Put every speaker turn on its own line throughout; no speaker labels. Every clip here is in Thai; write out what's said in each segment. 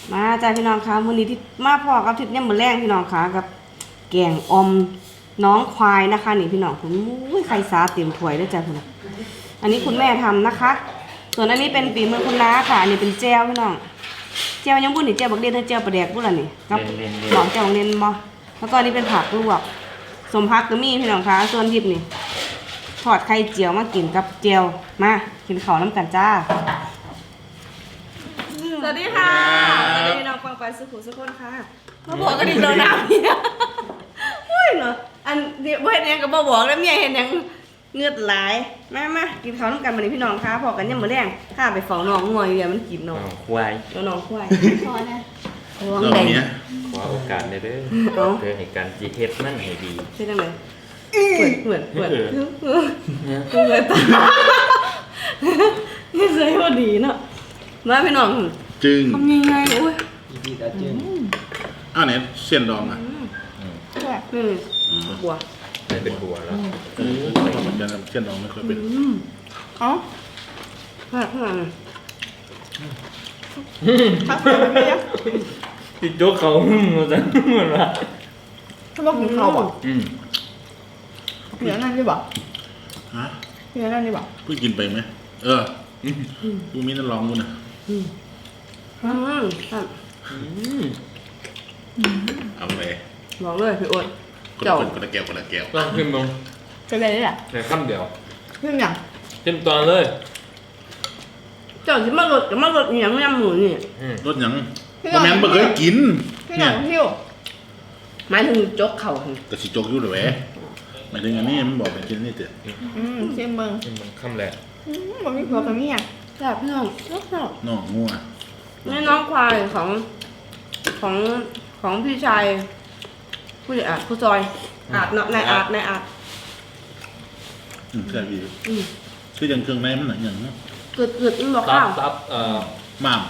มาจ้าพี่น้องคะมื้อนี้ที่มาพ่อกับทิศเนี่ยมื้อแรงพี่น้องคะกับแกงอมน้องควายนะคะนี่พี่น้องผมอุ้ยไข่สาเต็มถ้วยด้วยจ้าพี่น้องอันนี้คุณแม่ทำนะคะ ส่วนอันนี้เป็นฝีมือคุณน้าค่ะอันนี้เป็นแจ่วพี่น้องแจ่วยังบุ่นนี่แจ่วบักเด่นแจ่วปลาแดกบุ่นล่ะนี่กับหมองแจ่วบักเด่นบ่แล้วก็อันนี้เป็นผักลวกสมพักก็มีพี่น้องคะส่วนทิพย์นี่ทอดไข่เจียวมากินกับแจ่วมากินข้าวน้ำกันจ้าสวัสดีค่ะสวัสดีพี่น้องฟังไปสุขุสุขคนค่ะมาบอกกันดิเราหนาวเนี่ยโอ้ยเนาะอันเดี๋ยวเห็นยังก็บ่บอกแล้วเมียเห็นยังเงือดไหลมากินข้าวน้ำกันมาเลยพี่น้องค่ะพอกันยังมื้อแรงข้าไปเฝ้าน้องงวยเดี๋ยวมันกินน้อง
ควาย
น้องควายพอนะ
รอบนี้
ขอโอกาสได้เด้อเพื่อให้การจีเทสมันให้ดี
ใช่จังเลยเหมือนตานี่ใส่พอดีเนาะมาพี่น้อง
จึง
ทำยังไงโอ้ย
อ้าวเนี่ยเส้นดองอ่ะ
บัว
ได้เป็นบัวแล้ว
เหมือนกันเส้นดองไม่เคยเป็น
อ๋อข้าง
ติดโจ๊กเขามาจังเหมือนว่า
ถ้าบอกกินข้าวอ่ะเหลือนั่นใช่ป่ะ
ฮะ
เหลือนั่นใช่ป่ะ
เพิ่งกินไปไหมกูมีนั่นลองกูนะเอาไป
บอกเลยพี่อ้วน
คนละแก้ว
ลองขึ้นลง
จะได้แหละ
แต่ข้ามเดียว
ขึ้นอย่าง
ขึ้นตอนเลย
เจ้าที่มาลดกับมาลดอย่างยำหมูนี่
รสอย่างบะแมนบ่เคยกิน
เนี่ยหมายถึงจกเข่า
แต่สิจกอยู่หรือแหวหมายถึงอันนี้มันบอกเป็นกินนี่เถอะ
เชี่ยมึง
ข้ามแหละ
มันมีผัวกับเมียแบบน้อง
น้องงัว
นี่น้องควายของพี่ชายผู้จอยอาดเนาะนายอาด
ใช่พี่คืออย่างเครื่องในมันหนังอย่างเนาะ
เกิดมันบอกข้าว
หม่าม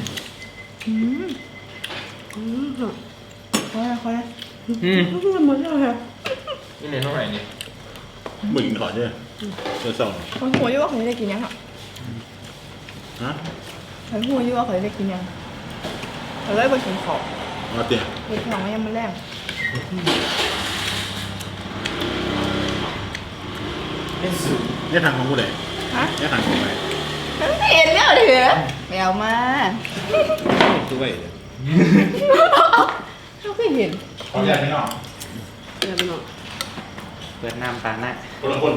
ค่อยเหมือนเลย
นี่ในเท่าไหร่นี่
มึงขอเจ้เจ้า
คนหัวยุ่ว่าเคยได้กินยัง
ฮะ
คนหัวยุ่ว่าเคยได้กินยังเราได้ไปกินของ
มาเตี๋ย
กินของยังมันแรง
นี่ทางของกูเลยนี่ทางของไหน
เห็นแล้วเหรอแมวมา
ด้วย
เขาเคยเห็น
ขอใหญ่ไม่นอก
ใหญ่ไม่นอก
เปิดน้ำปลาหน้า
คนละคน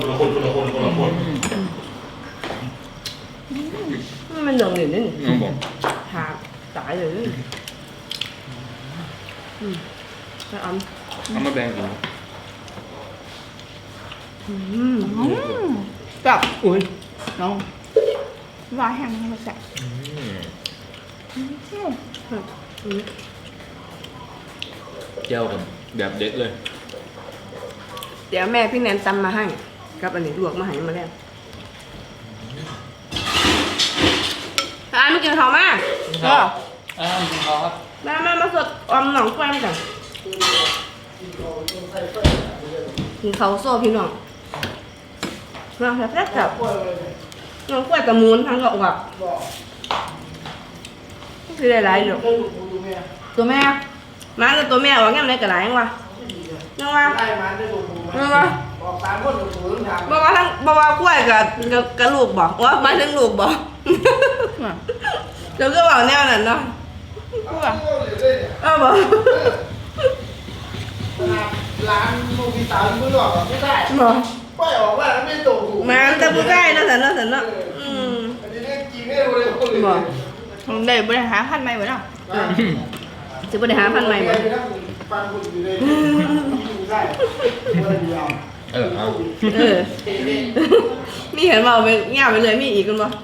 มันเหลืองเหลืองนี่
น้องบอก
หาตายเลยไปเอา
มาแบ่งกัน
จับอุ้ยน้องว่าแห้งมาแสบ
เจ้ากันแบบเด็ดเลย
เดี๋ยวแม่พี่แนนตำมาให้กับอันนี้ลวกมาให้มาแล้วไม่กินข้าวมาก
กินข้าวครับ
มาสดอมหนองควายกันกินข้าวโซ่พี่น้องน้องแซ่บๆกับน้องควายกับมูนทั้งกระอบคือหลายๆอยู่ตัวแม่มาแล้วตัวแม่ว่างั้นไหนกระไรยังวะยังวะบอกว่าควายกับลูกบอกว่ามาถึงลูกบอกเดี๋ยวก็บอกแนวนั้นเนาะบอก
ร้านมูกิตาไม่หลอกไม่ได้ป้ายออกว่าไม่ตกถูก
มาแต่ผู้ใกล้นะสันเนาะ
อันนี้เรื่องจริงไม่รู้เลย
บอกเดี๋ยวบริหารพันใหม่เหมือนเนาะจะบริหารพันใหม่เหมือน
ฟังคุณอยู่เลยได้
มีเห็นมาไปเงียบไปเลยมีอีกกันบ่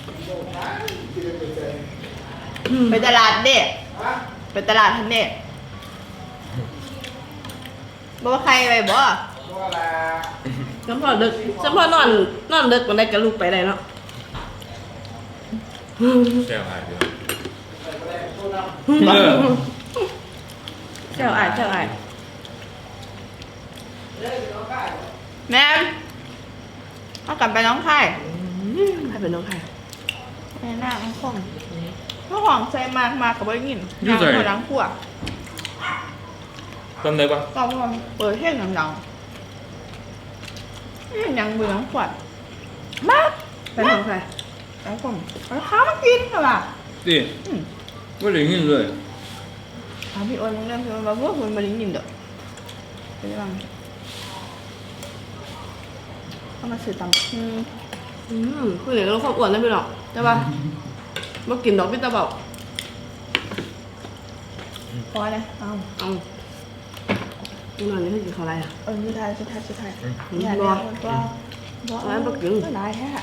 ไปตลาดเด็กไปตลาดทันเด็กบอกว่าใครไปบ่จำพอดึกจำพอนอนดึกมันได้กับลูกไปได้เนาะ
แก้วอายด้วย
เจ้าอายแม่เอากลับไปน้องไข่ใครเป็นน้องไข่แม่หน้าข้อง
ข้าวหอมใส่มากกับไม่ยินยังหัวดังขวด
ทำได้ปะ
ก็พอเปิดเท่งดังๆนี่ยังเบื่อขวดมาก
เป็นของใคร
แล้วผมเอาข้าวมากินเหรอล่ะ
ดิไม่ได้ยินเลย
ถามพี่โอ้ยมึงเริ่มพี่โอ้ยมาพูดคุณมาดิ้งยินเด้อเป็นยังไงเอามาสื่อตำ
คือเดี๋ยวเราความอ้วนนะพี่น้องใช่ป่ะมากินดอกพิตาเบา
พอเลยเอา
เอาพี่น้องนี่คือกินอะไรอ่ะ
สุดท้าย
อืม
อย่า
บ่
เลี้ยงมันก็
ร้านบ่กิน
ก็ได้แค่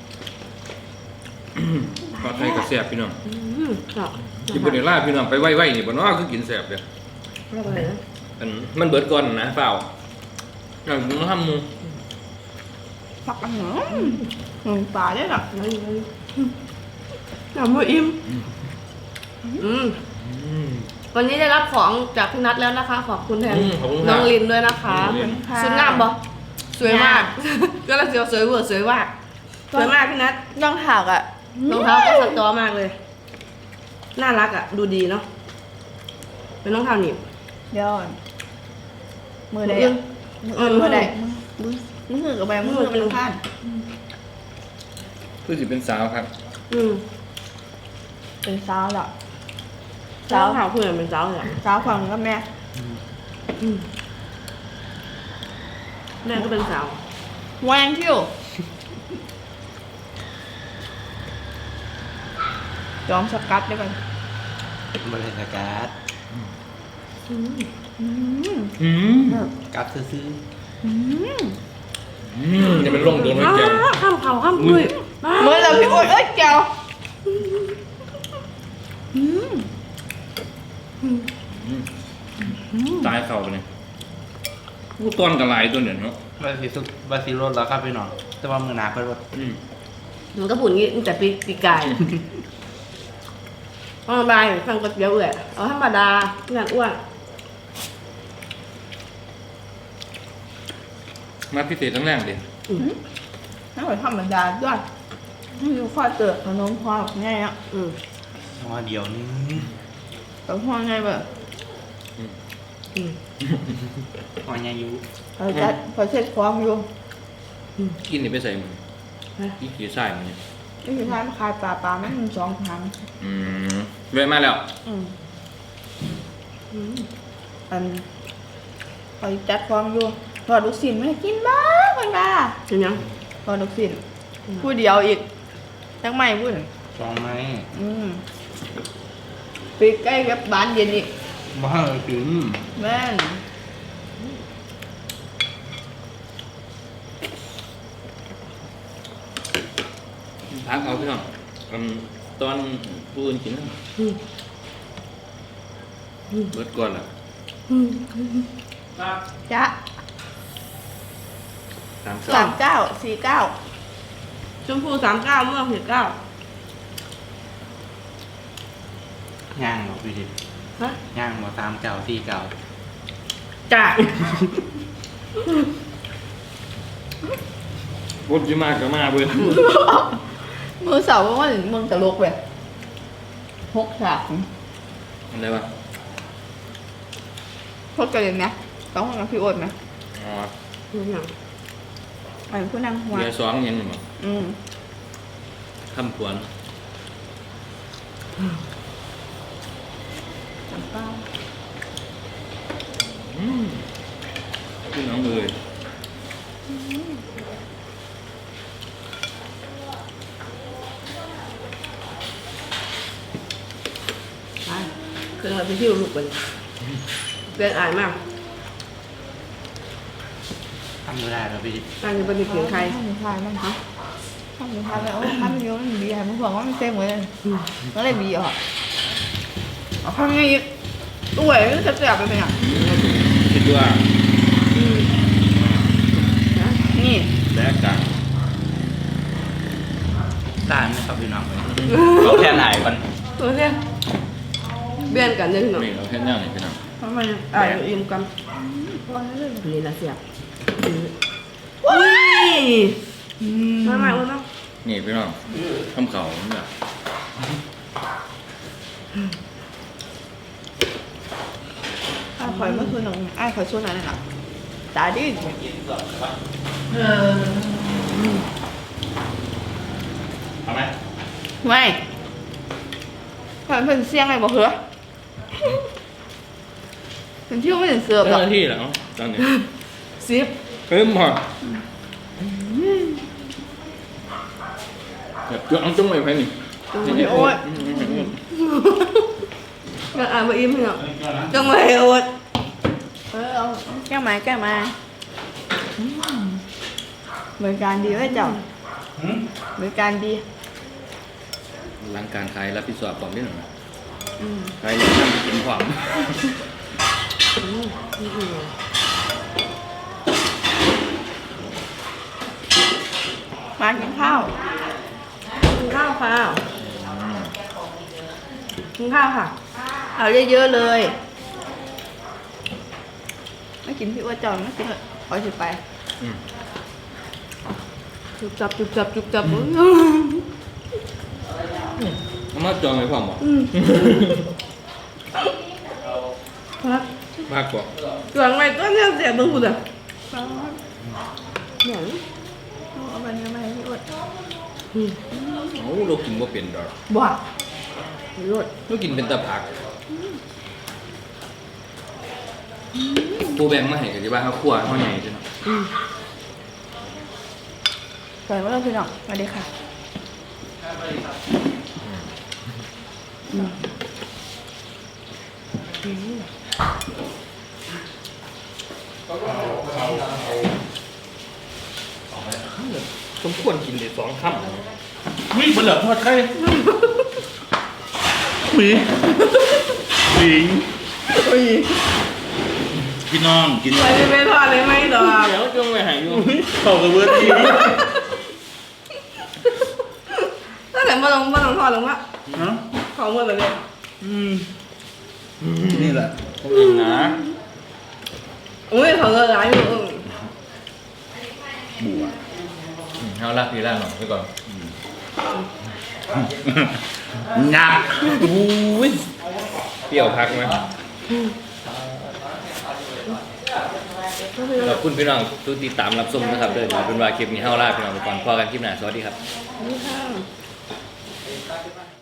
ปลาไทยกับแซ่บพี่น้อง
ครับ
กินบนเดล่าพี่น้องไปไหวๆนี่บ่เนาะคือกินแซ่บเด้อ
ไม่เป็นไรนะ
มันเบิดก่อนนะเปล่าอย่างมึงทำมึง
ผักอันหนึ่งปลาได้หรอ
ยังไม่อิ่มวันนี้ได้รับของจากพี่นัทแล้วนะคะ ขอบคุณแทนน้องลินด้วยนะคะชุดงามบ่สวยมาก ก็แล้วเสียวสวยเวอร์สวยมากสวยมากพี่นัท
ย่องถักอ่ะ
รองเท้าก็สตอมากเลย น่ารักอ่ะ ดูดีเนาะ เป็นรองเท้าหนีบ
เดี๋ยวมือใด มือใดมือกับใบมือเป็นพลาด
คือสิเป็นสาวครับ
เป็นสาวหรอ
สาวขาวเพื่อนเป็นสาวเหรอ
สาวฝั่งกับแม่
แม่ก็เป็นสาว
แหวงที่อยู่จอมสกัดได้ป่ะ
บริษัทการ์ดการ์ดซื้อ
นี่มันลงโดนไว้แกง
ข้ามเขาข้ามคุย
เมื่อเราพี่โอ๊ยเอ้ยแก้ว
ตายเข่าไปเลยกูตอนกระไรตัวเนี่ยเนาะ
บาซิโรสแล้วครับพี่น้องแต่ว่ามือหนาเพิ่นว่า
มันก็ปุ่นงี้ตั้งแต่ปีกายธรรมดาสั่งก๋วยเตี๋ยวเอาธรรมดางานอ้วน
มาพิเศษตั้งแรกดิ
น่าเหมือนธรรมดาด้วยไม่รู้ข้อเจอขนมพอไงอ่ะ
ว่าเดียวนึง
แต่พอไงแบบ
ว่าไงอยู่
พอเช็ดความอยู่
กินนี่ไปใส่มึงอีกกี่ใส่มึงเนี่ย
นี่คือท้ายมาขายปลาไม่ถึง2 ครั้ง
เวทมาแล้ว
อันคอยจัดความอยู่พอลูกศิลป์ไม่กินบ้างมันบ้า
เห็นยัง
พอลูกศิลป์พูดเดียวอีกจังไม่พูด
สองไม้
ปีใกล้กับบ้านเย็นอีก
บ้าถึง
แม่น
พักเอาพี่น้องตอนผู้อื่นกินนะเบิดก่อนล่ะ
จ๊ะ 39 49
ชมพู39ม่วง19
ย่างหรอพี่ดิ
ฮะ
ย่างมา39 49
จ้า
บดจะมากก็มาเบิด
มือเสาร์ว่าเมืองตลกแบบ6 ฉาก
อะไรวะ
พดกันเลยนะต้องห้องกับพี่โอ๊ตไหม
อ๋อ
เห็นยัง
ไอ้ผู้นั่งหัว
เบียร์สองยังมั้ง คำขวัญ
น้ำเปล่า
พี่น้องเอ๋ย
ไปเครื่องเราไปที่ลูกกันเรียนอ่านมาก
ทำไม่ได้หรอพี่ดิ
อ่านจะเป็นเสียงใคร
ทำอยู่ทายมั้งคะทำอยู่ทายแล้วทำเยอะมันบีมันบอกว่ามันเต็มเลยก็เลยบีออกเอาทำไงอีกตัวเองจะแสบไปเป็นอ่ะ
คิดว่า
นี่
แลกกัน
ตายไหมครับพี่น้องเราแค่ไหนมัน
ตัวเนี่ยเบี้ยนกันเลยพี่น้อง
นี่เราแค่ย่างนี่พี่น้อง
ทำไมอ่านอิ่มกันนี่ละเสียบว้ายมาอ้วนเนาะ
นี่พี่น้องคำเขาเนี่ย
คอยเมื่อคืนน้องคอยช่วยนั่นน่ะตาดิ
เอาไหม
ไม่คอยเป็นเสียงอะไรบอกเหรอเป็นที่ไม่ถึงเสือบหร
เจ้า
อก
หน้าที่เหรอตอนนี้
ซิป
เพิ่มหอดแบบจ้องไปไหมนี่
โอ๊ยก็อ่านไปอิ่มเหรอจังเลยโอ๊ยเอาแก้วมาบริการดีไว้เจ้าบริการดี
หลังการขายรับผิดชอบความนิดหน่อยขายเลยทำเป็นความ
มากินข้าวกินข้าวค่ะกินข้าวค่ะเอาเยอะๆเลยไม่กินพี่อ้วนจอนไม่กินเลยขอสิไปจุบจับ
เอามาจองไว้ความบอกมากกว่า
หลังไงก็เนี่ยเสียตรงกูเลยเนี่ยเอาไปเนี่ยมาให้พี่อ้วน
โอ้เรากินว่าเป็นดอก
บ้าพี่อ้วน
เรากินเป็นตะผักปูแบงมาให้กันที่บ้านเขาคั่วเขาใหญ่จัง
สวัสดีครับพี่น้องสวัสดีค่ะ
สมควรกินเลย2 ค่ำ
วิ่งบนเหลือทอดไข่หมีหมีพี่น้องกิน
ไปไม่ทอดเลยไหมดอก
เดี๋ยวจงไปหายอยู่
เข้ากับเวอร์ที
ตั้งแต่มาลงทอดลงวะ
เนาะ
ของเมื่อแบบนี้
นี่แหละ
ผมเองนะ
อุ้ยเขาเลยร้ายอยู่
บัว
เอาลากพี่ลากหน่อยไปก่อน
หนัก
อุ้ยเปรี้ยวพักไหมขอบคุณพี่น้องทุกติดตามรับชมนะครับเดี๋ยวเป็นว่าคลิปนี้เฮาลาพี่น้องไปก่อนพอกันคลิปหน้าสวัสดีครับ
นี่ค่ะ